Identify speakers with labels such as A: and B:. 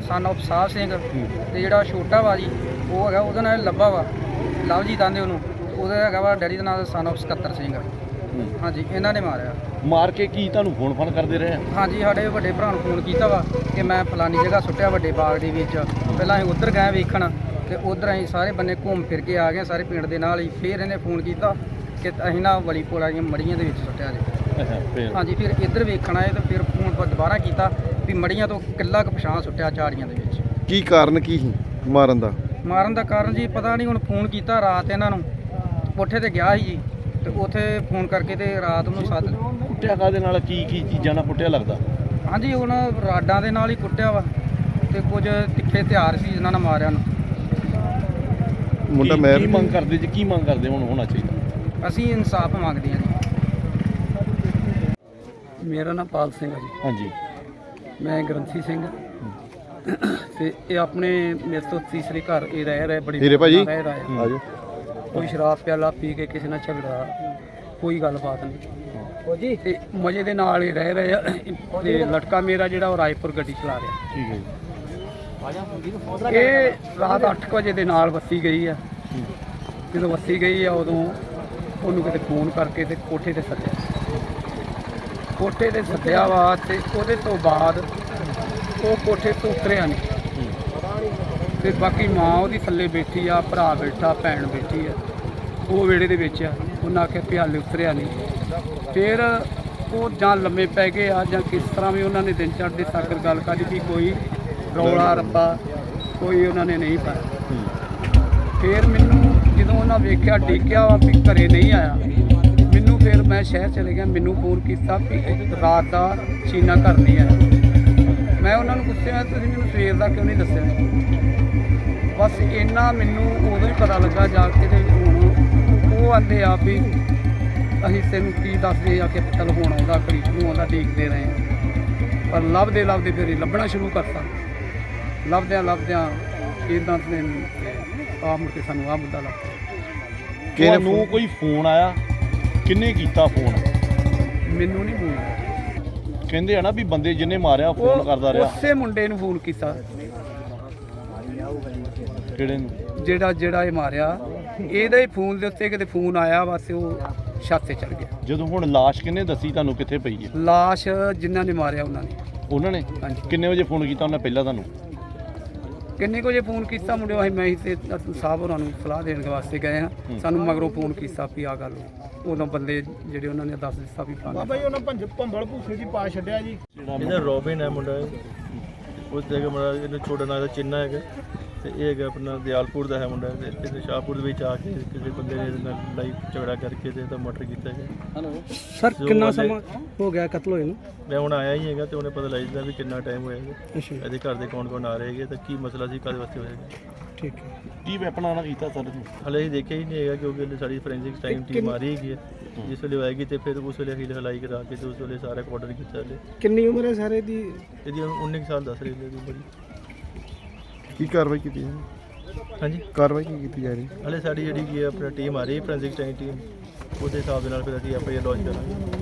A: Son of ਸਾਹਿਬ ਸਿੰਘ ਤੇ ਜਿਹੜਾ ਛੋਟਾ ਵਾ ਜੀ ਉਹ ਹੈਗਾ ਉਹਦਾ ਨਾਮ ਲੱਭਾ ਵਾ, ਲਵਜੀਤ ਆਂਦੇ ਉਹਨੂੰ। ਉਹਦਾ ਹੈਗਾ ਵਾ ਡੈਡੀ ਦਾ ਨਾਮ ਸਨ ਆਫ ਸਕੱਤਰ ਸਿੰਘ। ਹਾਂਜੀ, ਇਹਨਾਂ ਨੇ ਮਾਰਿਆ।
B: ਮਾਰ ਕੇ ਕੀ ਤੁਹਾਨੂੰ ਫੋਨ ਕਰਦੇ ਰਹੇ?
A: ਹਾਂਜੀ, ਸਾਡੇ ਵੱਡੇ ਭਰਾ ਨੂੰ ਫੋਨ ਕੀਤਾ ਵਾ ਕਿ ਮੈਂ ਫਲਾਨੀ ਜਗ੍ਹਾ ਸੁੱਟਿਆ ਵੱਡੇ ਬਾਗ ਦੇ ਵਿੱਚ। ਪਹਿਲਾਂ ਅਸੀਂ ਉੱਧਰ ਗਏ ਵੇਖਣ ਤੇ ਉੱਧਰ ਅਸੀਂ ਸਾਰੇ ਬੰਨੇ ਘੁੰਮ ਫਿਰ ਕੇ ਆ ਗਏ ਸਾਰੇ ਪਿੰਡ ਦੇ ਨਾਲ ਹੀ। ਫਿਰ ਇਹਨੇ ਫੋਨ ਕੀਤਾ ਕਿ ਅਸੀਂ ਨਾ ਵਲੀਪੁਰ ਵਾਲੀਆਂ ਮੜੀਆਂ ਦੇ ਵਿੱਚ ਸੁੱਟਿਆ ਜੀ। ਹਾਂਜੀ, ਫਿਰ ਇੱਧਰ ਵੇਖਣ ਆਏ ਤੇ ਫਿਰ ਫੋਨ ਪਰ ਦੁਬਾਰਾ ਕੀਤਾ ਵੀ ਮੜੀਆਂ ਤੋਂ ਕਿੱਲਾ ਕੁ ਪਛਾਣ ਸੁੱਟਿਆ ਝਾੜੀਆਂ ਦੇ ਵਿੱਚ।
C: ਕੀ ਕਾਰਨ ਕੀ ਸੀ ਮਾਰਨ ਦਾ
A: ਕਾਰਨ ਜੀ ਪਤਾ ਨਹੀਂ। ਹੁਣ ਫੋਨ ਕੀਤਾ ਰਾਤ ਇਹਨਾਂ ਨੂੰ, ਕੋਠੇ ਤੇ ਗਿਆ ਸੀ ਜੀ ਤੇ ਉੱਥੇ ਫੋਨ ਕਰਕੇ ਤੇ ਰਾਤ ਨੂੰ ਸੱਦ।
B: ਕੁੱਟਿਆ ਕਾਹਦੇ ਨਾਲ? ਕੀ ਚੀਜ਼ਾਂ ਨਾਲ ਕੁੱਟਿਆ ਲੱਗਦਾ?
A: ਹਾਂਜੀ, ਹੁਣ ਰਾਡਾਂ ਦੇ ਨਾਲ ਹੀ ਕੁੱਟਿਆ ਵਾ ਤੇ ਕੁਝ ਤਿੱਖੇ ਹਥਿਆਰ ਸੀ ਜਿਨ੍ਹਾਂ ਨਾਲ ਮਾਰਿਆ ਨੂੰ।
C: ਮੁੰਡਾ
B: ਕੀ ਮੰਗ ਕਰਦੇ ਜੀ? ਕੀ ਮੰਗ ਕਰਦੇ ਹੁਣ ਹੋਣਾ ਚਾਹੀਦਾ?
A: ਅਸੀਂ ਇਨਸਾਫ ਮੰਗਦੇ ਹਾਂ ਜੀ। ਮੇਰਾ ਨਾਮ ਪਾਲ ਸਿੰਘ ਹੈ ਜੀ।
B: ਹਾਂਜੀ,
A: ਮੈਂ ਗ੍ਰੰਥੀ ਸਿੰਘ ਤੇ ਇਹ ਆਪਣੇ ਮੇਰੇ ਤੋਂ ਤੀਸਰੇ ਘਰ ਇਹ ਰਹਿ ਰਿਹਾ। ਬੜੀ
C: ਹੀਰੇ ਭਾਜੀ
A: ਰਹਿ ਰਿਹਾ।
C: ਆਜੋ।
A: ਕੋਈ ਸ਼ਰਾਬ ਪਿਆਲਾ ਪੀ ਕੇ ਕਿਸੇ ਨਾਲ ਝਗੜਾ, ਕੋਈ ਗੱਲਬਾਤ ਨਹੀਂ ਤੇ ਮਜ਼ੇ ਦੇ ਨਾਲ ਹੀ ਰਹਿ ਰਹੇ ਆ। ਤੇ ਲੜਕਾ ਮੇਰਾ ਜਿਹੜਾ ਉਹ ਰਾਏਪੁਰ ਗੱਡੀ ਚਲਾ ਰਿਹਾ।
B: ਠੀਕ ਹੈ ਜੀ।
A: ਇਹ ਰਾਤ 8 ਵਜੇ ਦੇ ਨਾਲ ਵੱਸੀ ਗਈ ਆ। ਜਦੋਂ ਵੱਸੀ ਗਈ ਆ ਉਦੋਂ ਉਹਨੂੰ ਕਿਤੇ ਫੋਨ ਕਰਕੇ ਤੇ ਕੋਠੇ ਤੇ ਸੱਦਿਆ ਵਾ ਤੇ ਉਹਦੇ ਤੋਂ ਬਾਅਦ ਉਹ ਕੋਠੇ ਤੋਂ ਉਤਰਿਆ ਨਹੀਂ। ਤੇ ਬਾਕੀ ਮਾਂ ਉਹਦੀ ਥੱਲੇ ਬੈਠੀ ਆ, ਭਰਾ ਬੈਠਾ, ਭੈਣ ਬੈਠੀ ਆ, ਉਹ ਵਿਹੜੇ ਦੇ ਵਿੱਚ ਆ। ਉਹਨਾਂ ਆਖਿਆ ਵੀ ਹਾਲੇ ਉਤਰਿਆ ਨਹੀਂ। ਫਿਰ ਉਹ ਜਾਂ ਲੰਮੇ ਪੈ ਗਏ ਆ ਜਾਂ ਕਿਸ ਤਰ੍ਹਾਂ ਵੀ ਉਹਨਾਂ ਨੇ ਦਿਨ ਚੜ੍ਹਦੇ ਸਾਕਰ ਗੱਲ ਕਰੀ ਵੀ ਕੋਈ ਰੌਲਾ ਰੱਪਾ ਕੋਈ ਉਹਨਾਂ ਨੇ ਨਹੀਂ ਪਾਇਆ। ਫਿਰ ਮੈਨੂੰ ਜਦੋਂ ਉਹਨਾਂ ਵੇਖਿਆ ਡਿੱਗਿਆ ਵਾ ਵੀ ਘਰੇ ਨਹੀਂ ਆਇਆ, ਮੈਨੂੰ ਫਿਰ ਮੈਂ ਸ਼ਹਿਰ ਚਲੇ ਗਿਆ। ਮੈਨੂੰ ਫੋਨ ਕੀਤਾ ਵੀ ਰਾਤ ਦਾ ਚੀਨਾ ਘਰ ਨਹੀਂ ਆਇਆ। ਮੈਂ ਉਹਨਾਂ ਨੂੰ ਪੁੱਛਿਆ ਤੁਸੀਂ ਮੈਨੂੰ ਸਵੇਰ ਦਾ ਕਿਉਂ ਨਹੀਂ ਦੱਸਿਆ? ਬਸ ਇੰਨਾ ਮੈਨੂੰ ਉਦੋਂ ਹੀ ਪਤਾ ਲੱਗਾ ਜਾ ਕੇ। ਤੇ ਹੁਣ ਉਹ ਆਂਦੇ ਆ ਵੀ ਅਸੀਂ ਤੈਨੂੰ ਕੀ ਦੱਸਦੇ ਆ ਕਿ ਚੱਲ ਹੁਣ ਆਉਂਦਾ ਘੜੀ ਨੂੰ ਆਉਂਦਾ, ਦੇਖਦੇ ਰਹੇ। ਪਰ ਲੱਭਦੇ ਫਿਰ ਲੱਭਣਾ ਸ਼ੁਰੂ ਕਰਤਾ। ਲੱਭਦਿਆਂ ਇੱਦਾਂ ਤੇ ਆ ਮੁੜ ਕੇ ਸਾਨੂੰ ਆਹ ਮੁੱਦਾ ਲੱਗ
B: ਪਿਆ। ਨੂੰ ਕੋਈ ਫੋਨ ਆਇਆ? ਕਿੰਨੇ ਕੀਤਾ ਫੋਨ?
A: ਮੈਨੂੰ ਨਹੀਂ ਫੋਨ।
B: ਕਹਿੰਦੇ ਆ ਨਾ ਵੀ ਬੰਦੇ ਜਿਹਨੇ ਮਾਰਿਆ ਫੋਨ ਕਰਦਾ ਰਿਹਾ।
A: ਉਸੇ ਮੁੰਡੇ ਨੂੰ ਫੋਨ ਕੀਤਾ।
B: ਕਿਹੜੇ ਨੂੰ?
A: ਜਿਹੜਾ ਇਹ ਮਾਰਿਆ, ਇਹਦੇ ਫੋਨ ਦੇ ਉੱਤੇ ਕਿਤੇ ਫੋਨ ਆਇਆ, ਬਸ ਉਹ ਛੱਤ ਤੇ ਚੜ ਗਿਆ।
B: ਜਦੋਂ ਹੁਣ ਲਾਸ਼ ਕਿਹਨੇ ਦੱਸੀ ਤੁਹਾਨੂੰ ਕਿੱਥੇ ਪਈ ਹੈ?
A: ਲਾਸ਼ ਜਿਨ੍ਹਾਂ ਨੇ ਮਾਰਿਆ ਉਹਨਾਂ ਨੇ।
B: ਹਾਂਜੀ। ਕਿੰਨੇ ਵਜੇ ਫੋਨ ਕੀਤਾ ਉਹਨਾਂ ਪਹਿਲਾਂ ਤੁਹਾਨੂੰ?
A: ਕਿੰਨੇ ਕੁ ਵਜੇ ਫੋਨ ਕੀਤਾ ਮੁੰਡਿਓ? ਅਸੀਂ ਮੈਂ ਤੇ ਸਾਹਿਬ ਹੋਰਾਂ ਨੂੰ ਸਲਾਹ ਦੇਣ ਵਾਸਤੇ ਗਏ ਹਾਂ। ਸਾਨੂੰ ਮਗਰੋਂ ਫੋਨ ਕੀਤਾ ਵੀ ਆਹ ਗੱਲ। ਉਦੋਂ ਬੰਦੇ ਜਿਹੜੇ ਉਹਨਾਂ ਨੇ ਦੱਸ ਦਿੱਤਾ ਵੀ
D: ਬਾਬਾ ਜੀ ਉਹਨਾਂ ਭੰਬਲ ਭੂਸੇ ਦੀ ਪਾ ਛੱਡਿਆ ਜੀ।
E: ਇਹਦਾ ਰੋਬਿਨ ਹੈ ਮੁੰਡਾ, ਉਸ ਜਗ੍ਹਾ ਮੁੰਡਾ ਇਹਦਾ ਛੋਟਾ ਨਾਂ ਦਾ ਚਿੰਨਾ ਹੈਗਾ ਤੇ ਇਹ ਹੈਗਾ ਆਪਣਾ ਦਿਆਲਪੁਰ ਦਾ ਹੈ ਮੁੰਡਾ। ਤੇ ਸ਼ਾਹਪੁਰ ਦੇ ਵਿੱਚ ਆ ਕੇ ਕਿਸੇ ਬੰਦੇ ਨੇ ਇਹਦੇ ਨਾਲ ਲੜਾਈ ਝਗੜਾ ਕਰਕੇ ਤੇ ਇਹਦਾ ਮਰਡਰ ਕੀਤਾ ਹੈਗਾ।
A: ਸਰ ਕਿੰਨਾ ਸਮਾਂ ਹੋ ਗਿਆ ਕਤਲ ਹੋਏ ਨੂੰ?
E: ਮੈਂ ਹੁਣ ਆਇਆ ਹੀ ਹੈਗਾ ਤੇ ਉਹਨੇ ਪਤਾ ਲੱਗ ਜਾਂਦਾ ਵੀ ਕਿੰਨਾ ਟਾਈਮ ਹੋਇਆ। ਇਹਦੇ ਘਰ ਦੇ ਕੌਣ ਆ ਰਹੇ ਹੈਗੇ ਤੇ ਕੀ ਮਸਲਾ ਸੀ, ਕਾਹਦੇ ਵਾਸਤੇ ਹੋਏਗਾ।
A: ਠੀਕ ਹੈ।
B: ਕੀ ਵੈਪਨ ਆਣਾ ਕੀਤਾ ਸਰ?
E: ਹਲੇ ਅਸੀਂ ਦੇਖਿਆ ਹੀ ਨਹੀਂ ਹੈਗਾ ਕਿਉਂਕਿ ਸਾਡੀ ਫੋਰੈਂਸਿਕ ਟੀਮ ਆ ਰਹੀ ਹੈਗੀ ਹੈ। ਜਿਸ ਵੇਲੇ ਆਏਗੀ ਤੇ ਫਿਰ ਉਸ ਵੇਲੇ ਹੀਲ ਹਲਾਈ ਕਰਾ ਕੇ ਤੇ ਉਸ ਵੇਲੇ ਸਾਰਾ ਆਰਡਰ ਕੀਤਾ। ਹਲੇ
A: ਕਿੰਨੀ ਉਮਰ ਹੈ ਸਾਰੇ ਦੀ?
E: ਇਹਦੀ 19 ਸਾਲ ਦੱਸ ਰਹੀ ਹੈ ਬੜੀ।
C: ਕੀ ਕਾਰਵਾਈ ਕੀਤੀ
E: ਹਾਂਜੀ,
C: ਕਾਰਵਾਈ ਕੀ ਕੀਤੀ ਜਾ ਰਹੀ?
E: ਹਲੇ ਸਾਡੀ ਜਿਹੜੀ ਕੀ ਹੈ ਆਪਣਾ ਟੀਮ ਆ ਰਹੀ ਫੋਰੈਂਸਿਕ ਟੀਮ, ਉਹਦੇ ਹਿਸਾਬ ਦੇ ਨਾਲ ਫਿਰ ਅਸੀਂ ਆਪਾਂ ਇਹ ਲੌਂਚ ਕਰਾਂਗੇ।